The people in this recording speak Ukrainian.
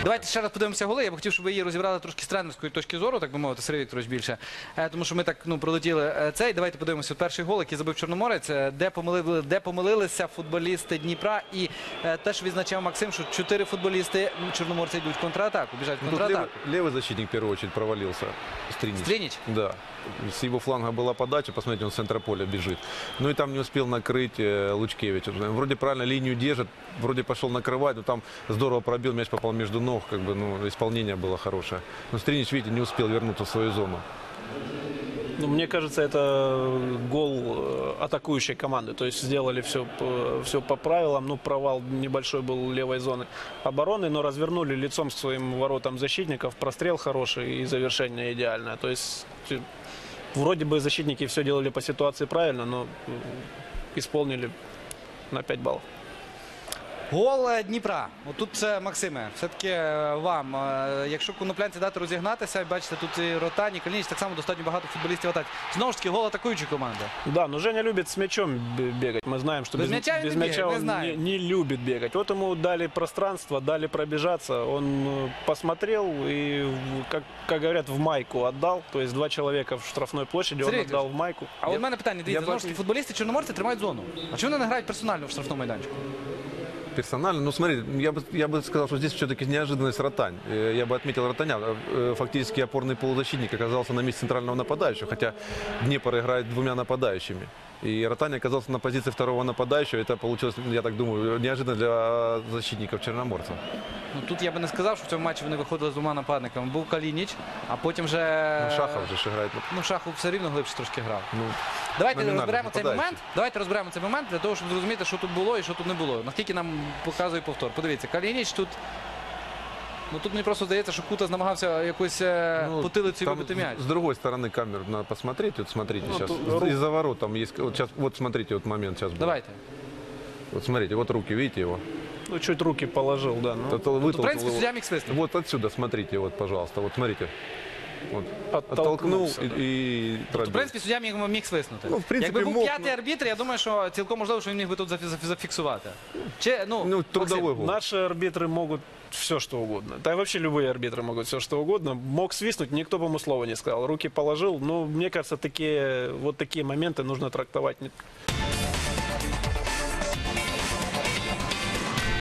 Давайте ще раз подивимося голи. Я б хотів, щоб ви її розібрали трошки з тренерської точки зору, так би мовити, Сергій Вікторович більше. Тому що ми так пролетіли цей. Давайте подивимося перший гол, який забив Чорноморець, де помилилися футболісти Дніпра. І те, що відзначав Максим, що 4 футболісти Чорноморця йдуть в контратаку, біжать в контратаку. Левый защитник в первую очередь провалился. Стринич. Стринич? Да. С его фланга была подача, посмотрите, он с центра поля бежит. Ну и там не успел накрыть Лучкевич. Вроде правильно линию держит, вроде пошел накрывать, но там здорово пробил, мяч попал между ног, как бы, ну, исполнение было хорошее. Но Стринич, видите, не успел вернуться в свою зону. Ну, мне кажется, это гол атакующей команды. То есть сделали все по правилам. Ну, провал небольшой был левой зоны обороны, но развернули лицом к своим воротам защитников. Прострел хороший и завершение идеальное. То есть вроде бы защитники все делали по ситуации правильно, но исполнили на 5 баллов. Гол Дніпра. Отут це, Максиме, все-таки вам. Якщо коноплянці дати розігнатися, бачите, тут і Ротань, і Калініч, так само достатньо багато футболістів атаки. Знову ж таки, гол атакуючої команди. Да, но Женя любит с мячом бегать. Мы знаем, что без мяча он не любит бегать. Вот ему дали пространство, дали пробежаться. Он посмотрел и, как говорят, в майку отдал. То есть 2 человека в штрафной площади он отдал в майку. А от в мене питання, дивіться, знову ж таки, футболісти Чорноморця тримають зону. А чому вони не грають персонально в штрафному майданчику? Персонально, ну смотри, я бы сказал, что здесь все-таки неожиданность Ротань. Я бы отметил Ротаня. Фактически опорный полузащитник оказался на месте центрального нападающего, хотя Днепр играет 2 нападающими. И Ротань оказался на позиции 2-го нападающего. Это получилось, я так думаю, неожиданно для защитников Чорноморця. Ну, тут я би не сказав, що в цьому матчі вони виходили з 2 нападниками. Був Калініч, а потім вже... Ну, Шахов же грає. Ну, Шахов все рівно глибше трошки грав. Ну, Давайте розберемо цей момент для того, щоб зрозуміти, що тут було і що тут не було. Наскільки нам показує повтор. Подивіться, Калініч тут... Ну, тут мені просто здається, що Кутас намагався якось потилицю вибити м'яч. С другой стороны камеру надо посмотреть. Вот смотрите, сейчас из-за ворот там есть... Вот, сейчас, вот смотрите, вот момент сейчас был. Давайте. Вот смотрите, вот руки, видите его? Ну, чуть руки положил, да. Ну. В принципе, судья міг свиснути. Вот отсюда, смотрите, вот, пожалуйста, вот смотрите. Вот. Оттолкнул и пробил. В принципі, суддя міг свиснути. Ну, в принципі, якби був мог, п'ятий арбітр, я думаю, що цілком можливо, що він міг би тут зафіксувати. Ну, трудовой гол. Наши арбитры могут все, что угодно. Да и вообще любые арбитры могут все, что угодно. Мог свистнуть, никто бы ему слова не сказал. Руки положил. Но мне кажется, вот такие моменты нужно трактовать.